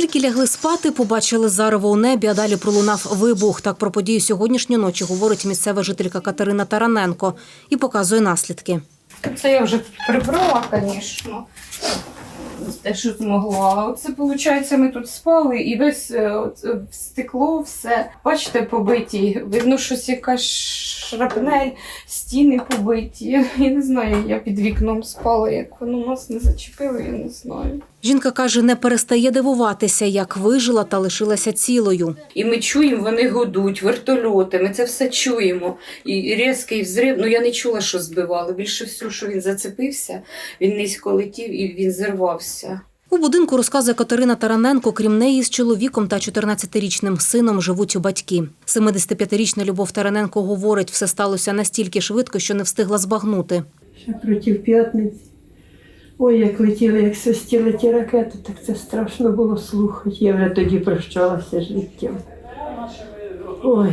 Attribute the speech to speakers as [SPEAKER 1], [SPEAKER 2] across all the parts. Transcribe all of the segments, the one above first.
[SPEAKER 1] Поляки лягли спати, побачили зарево у небі, а далі пролунав вибух. Так про подію сьогоднішньої ночі говорить місцева жителька Катерина Тараненко і показує наслідки.
[SPEAKER 2] Це я вже прибрала, звісно, те, що змогла. Оце, виходить, ми тут спали і весь стекло, все. Бачите, побиті. Видно, щось якась шрапнель, стіни побиті. Я не знаю, я під вікном спала, як воно нас не зачепило, я не знаю.
[SPEAKER 1] Жінка каже, не перестає дивуватися, як вижила та лишилася цілою.
[SPEAKER 2] І ми чуємо, вони гудуть, вертольоти, ми це все чуємо. І різкий взрив, я не чула, що збивало. Більше всього, що він зацепився, він низько летів і він зірвався.
[SPEAKER 1] У будинку, розказує Катерина Тараненко, крім неї з чоловіком та 14-річним сином живуть батьки. 75-річна Любов Тараненко говорить, все сталося настільки швидко, що не встигла збагнути.
[SPEAKER 3] Ще проти п'ятниці. Ой, як летіли, як свистіли ті ракети, так це страшно було слухати. Я вже тоді прощалася з життям. Ой.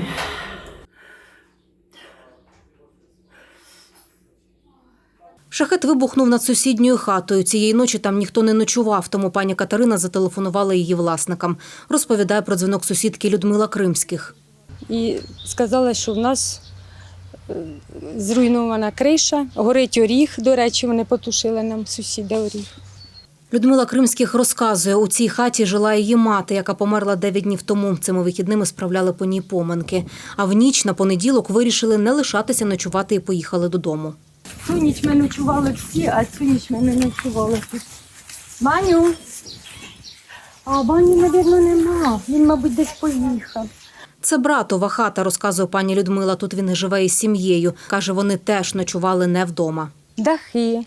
[SPEAKER 1] Шахет вибухнув над сусідньою хатою. Цієї ночі там ніхто не ночував, тому пані Катерина зателефонувала її власникам. Розповідає про дзвінок сусідки Людмила Кримських.
[SPEAKER 4] І сказала, що в нас зруйнована криша, горить оріг. До речі, вони потушили нам сусіда оріг.
[SPEAKER 1] Людмила Кримських розказує, у цій хаті жила її мати, яка померла 9 днів тому. Цими вихідними справляли по ній поминки. А в ніч на понеділок вирішили не лишатися ночувати і поїхали додому.
[SPEAKER 4] Цю ніч ми ночували всі, а цю ніч ми не ночували тут. Баню? А Баню, мабуть, нема. Він, мабуть, десь поїхав.
[SPEAKER 1] Це братова хата, розказує пані Людмила. Тут він живе із сім'єю. Каже, вони теж ночували не вдома.
[SPEAKER 4] Дахи.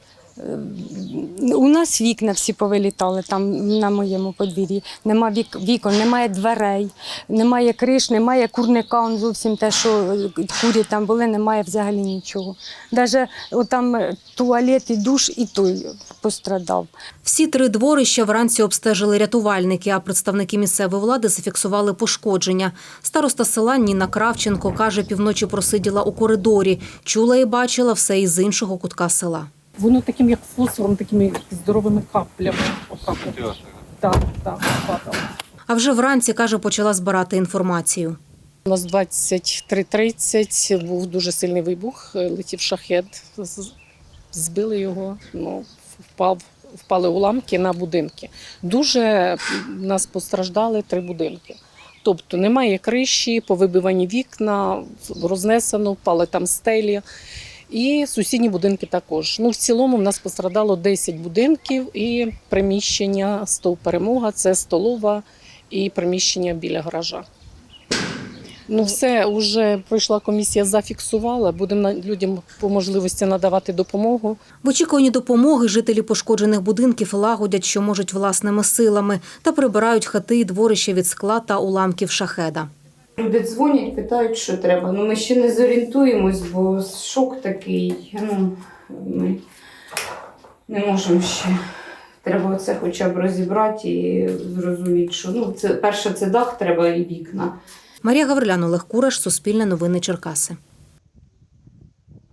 [SPEAKER 4] У нас вікна всі повилітали там на моєму подвір'ї. Нема вікон, немає дверей, немає криш, немає курника. Он зовсім те, що курі там були, немає взагалі нічого. Навіть там туалет і душ, і той пострадав.
[SPEAKER 1] Всі 3 дворища вранці обстежили рятувальники, а представники місцевої влади зафіксували пошкодження. Староста села Ніна Кравченко каже, півночі просиділа у коридорі. Чула і бачила все із іншого кутка села.
[SPEAKER 5] Воно таким, як фосфором, такими здоровими каплями. Так, падало.
[SPEAKER 1] А вже вранці, каже, почала збирати інформацію.
[SPEAKER 5] У нас 23:30 був дуже сильний вибух, летів шахед, збили його, впали уламки на будинки. Дуже в нас постраждали 3 будинки. Тобто немає криші, повибивані вікна, рознесено, впали там стелі. І сусідні будинки також. В цілому в нас пострадало 10 будинків і приміщення СТОВ «Перемога», це столова і приміщення біля гаража. Все, вже пройшла комісія, зафіксувала, будемо людям по можливості надавати допомогу.
[SPEAKER 1] В очікуванні допомоги жителі пошкоджених будинків лагодять, що можуть власними силами, та прибирають хати і дворища від скла та уламків шахеда.
[SPEAKER 2] Люди дзвонять, питають, що треба. Ми ще не зорієнтуємось, бо шок такий. Ми не можемо ще. Треба це хоча б розібрати і зрозуміти, що перше це дах треба і вікна.
[SPEAKER 1] Марія Гаврилян, Олег Кураш, Суспільне новини Черкаси.